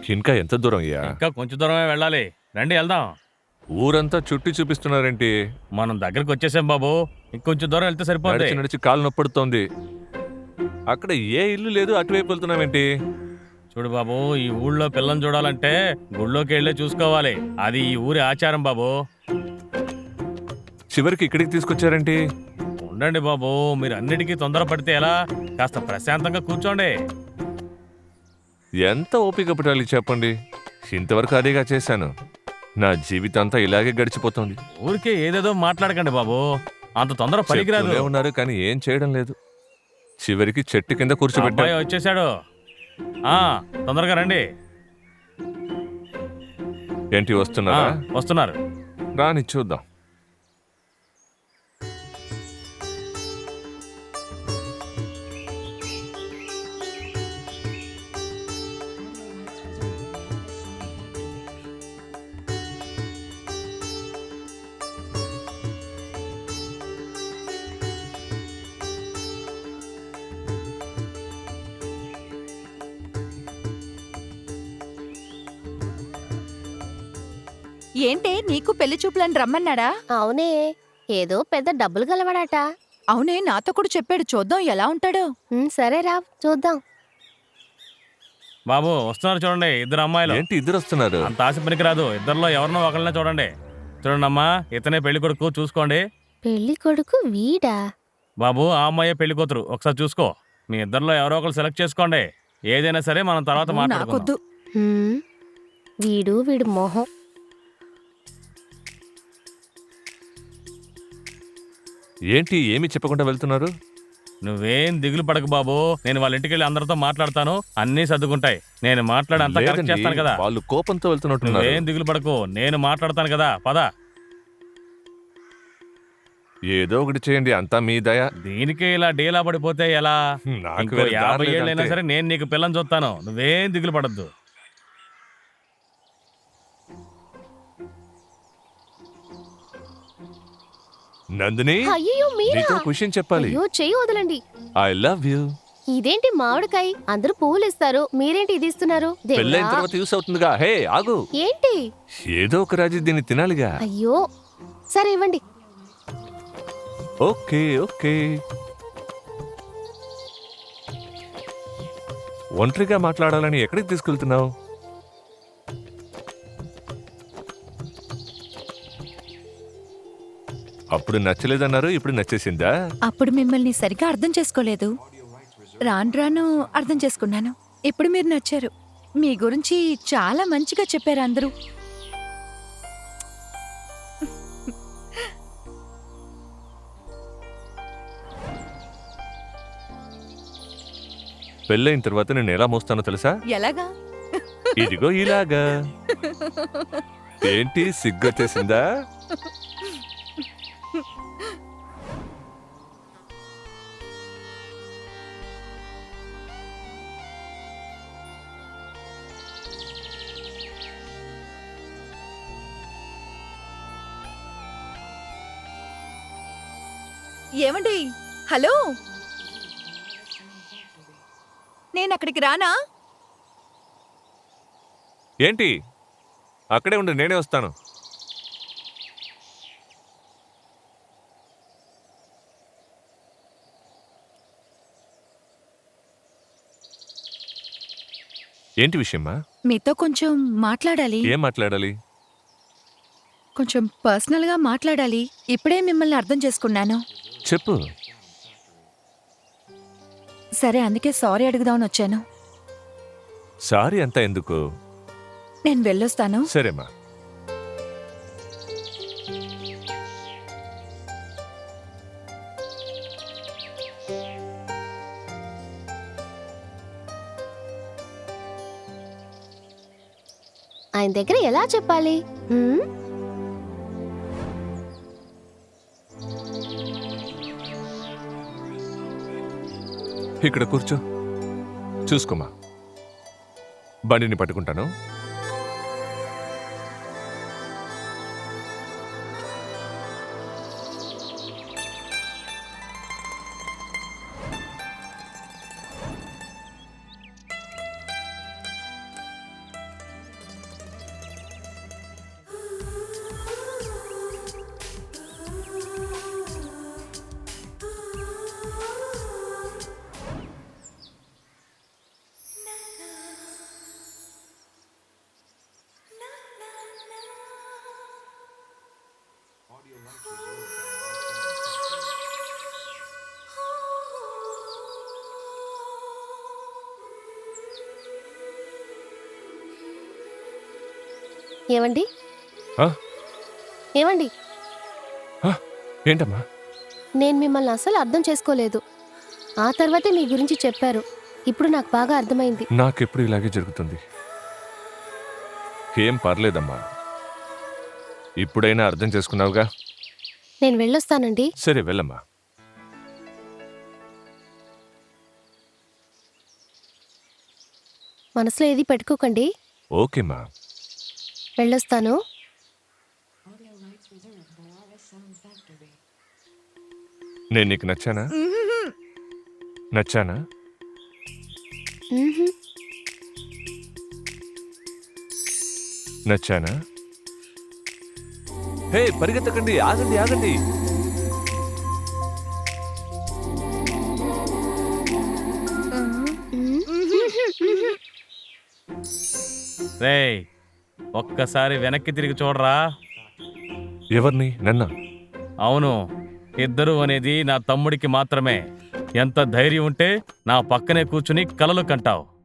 ఇంకా ఎంత దూరం అయ్యా? ఇంకా కొంచెం దూరమే వెళ్ళాలి. రండి వెళ్దాం. ఊరంతా చుట్టి చూపిస్తున్నారేంటి? మనం దగ్గరికి వచ్చేసాం బాబు. ఇంకొంచెం దూరం వెళ్తే సరిపోద్ది. నడిచి నడిచి కాలు నొప్పడుతోంది. అక్కడ ఏ ఇల్లు లేదు, అటువైపు వెళ్తున్నావేంటి? చూడు బాబు, ఈ ఊళ్ళో పిల్లని చూడాలంటే గుళ్ళోకి వెళ్ళే చూసుకోవాలి. అది ఈ ఊరి ఆచారం బాబు. చివరికి ఇక్కడికి తీసుకొచ్చారేంటి? ఉండండి బాబు, మీరు అన్నిటికీ తొందరపడితే ఎలా? కాస్త ప్రశాంతంగా కూర్చోండి. ఎంత ఓపిక పట్టాలి చెప్పండి. ఇంతవరకు అదేగా చేశాను. నా జీవితం అంతా ఇలాగే గడిచిపోతుంది. ఊరికే ఏదేదో మాట్లాడకండి బాబు, అంత తొందర పనికిరాదు. చెప్తూనే ఉన్నారు కానీ ఏం చేయడం లేదు. చివరికి చెట్టు కింద కూర్చోబెట్టా. అబ్బాయి వచ్చేసాడు. తొందరగా రండి. ఏంటి వస్తున్నారా? వస్తున్నారు. రాని చూద్దాం. ఏంటే నీకు పెళ్లి చూపులని రమ్మన్నాడా? అవునే, ఏదో పెద్ద డబ్బులు గలవాడట. అవునే, నాతో కూడా చెప్పాడు. చూద్దాం ఎలా ఉంటాడో. సరేరా చూద్దాం. బాబు వస్తున్నారు చూడండి, ఇద్దరు అమ్మాయిలు. ఏంటి ఇద్దరు వస్తున్నారు? అంత ఆశ పనికిరాదు. ఇద్దరిలో ఎవరినో ఒకళ్ళనే చూడండి. చూడండి అమ్మా, ఇతనే పెళ్లి కొడుకు, చూసుకోండి. పెళ్లి కొడుకు వీడా? బాబు ఆ అమ్మాయే పెళ్లి కూతురు, ఒకసారి చూసుకో. మీ ఇద్దరిలో ఎవరో ఒకరు సెలెక్ట్ చేసుకోండి. ఏదైనా సరే మనం తర్వాత మాట్లాడుకుందాం. నాకొద్దు. వీడు మొహం. ఏంటి ఏమి చెప్పకుండా వెళ్తున్నారు? నువ్వేం దిగులు పడకు బాబు, నేను వాళ్ళ ఇంటికి వెళ్ళి అందరితో మాట్లాడతాను. అన్నీ సర్దుకుంటాయి. నేను మాట్లాడి అంతా కరెక్ట్ లేదండి, చేస్తాను కదా. వాళ్ళు కోపంతో వెళ్తున్నట్టున్నారు. నువ్వేం దిగులు పడకు, నేను మాట్లాడతాను కదా. పద. ఏదో ఒకటి చేయండి, అంతా మీ దయ. దీనికే ఇలా డీలా పడిపోతే ఎలా? నాకు ఇంకో వేరే దారి 50 లేదు ఏళ్ళైనా అంతే. సరే నేను నీకు పిల్లని చూస్తాను. నువ్వేం దిగులు పడద్దు. నందిని, అయ్యో మీరా? నీతో విషయం చెప్పాలి. అయ్యో చెయ్యి వదలండి. I love you. ఇదేంటి మామిడికాయ? అందరూ పువ్వులు ఇస్తారు, మీరేంటి ఇది ఇస్తున్నారు? దేవుడా! పెళ్ళైన తర్వాత యూస్ అవుతుందిగా. హే ఆగు. ఏంటి? ఏదో ఒక రాజు దీన్ని తినాలిగా. అయ్యో సరే ఇవ్వండి. Okay okay. ఒంటరిగా మాట్లాడాలని ఎక్కడికి తీసుకెళ్తున్నావు? అప్పుడు నచ్చలేదన్నారు, ఇప్పుడు నచ్చేసిందా? అప్పుడు మిమ్మల్ని సరిగా అర్థం చేసుకోలేదు. రాను రాను అర్థం చేసుకున్నాను. ఇప్పుడు మీరు నచ్చారు. మీ గురించి చాలా మంచిగా చెప్పారు అందరూ. పెళ్ళైన తర్వాత నేను ఎలా మోస్తానో తెలుసా? ఎలాగా? ఇదిగో ఇలాగా. ఏంటి సిగ్గొచ్చేసిందా? ఏమండి, హలో, నేను అక్కడికి రానా? ఏంటి అక్కడే ఉండి, నేనే వస్తాను. ఏంటి విషయమ్మా? మీతో కొంచెం మాట్లాడాలి. ఏం మాట్లాడాలి? కొంచెం పర్సనల్గా మాట్లాడాలి. ఇప్పుడే మిమ్మల్ని అర్థం చేసుకున్నాను. చెప్పు. సరే, అందుకే సారీ అడుగుదామని వచ్చాను. సారీ అంతా ఎందుకు? నేను వెళ్ళొస్తాను. సరేమ్మా. ఆయన దగ్గర ఎలా చెప్పాలి? ఇక్కడ కూర్చో, చూసుకోమా. బండిని పట్టుకుంటాను. ఏమండి ఆ? ఏమండి ఆ, ఏంటమ్మా? నేను మిమ్మల్ని అసలు అర్థం చేసుకోలేదు. ఆ తర్వాతే మీ గురించి చెప్పారు. ఇప్పుడు నాకు బాగా అర్థమైంది. నాకెప్పుడు ఇలాగే జరుగుతుంది. ఏం పర్లేదమ్మా, ఇప్పుడైనా అర్థం చేసుకున్నావుగా. నేను వెళ్ళొస్తానండి. సరే వెళ్ళమ్మా. మనసులో ఏది పెట్టుకోకండి. ఓకేమ్మా. వెళ్ళొస్తాను. నేను నీకు నచ్చానా? నచ్చానా? మ్హూ. నచ్చానా? హే, పరిగెత్తకండి, ఆగండి ఆగండి. రేయ్, ఒక్కసారి వెనక్కి తిరిగి చూడరా. ఎవరిని? నన్నా? అవును, ఇద్దరు అనేది నా తమ్ముడికి మాత్రమే. ఎంత ధైర్యం ఉంటే నా పక్కనే కూర్చుని కలలు కంటావు.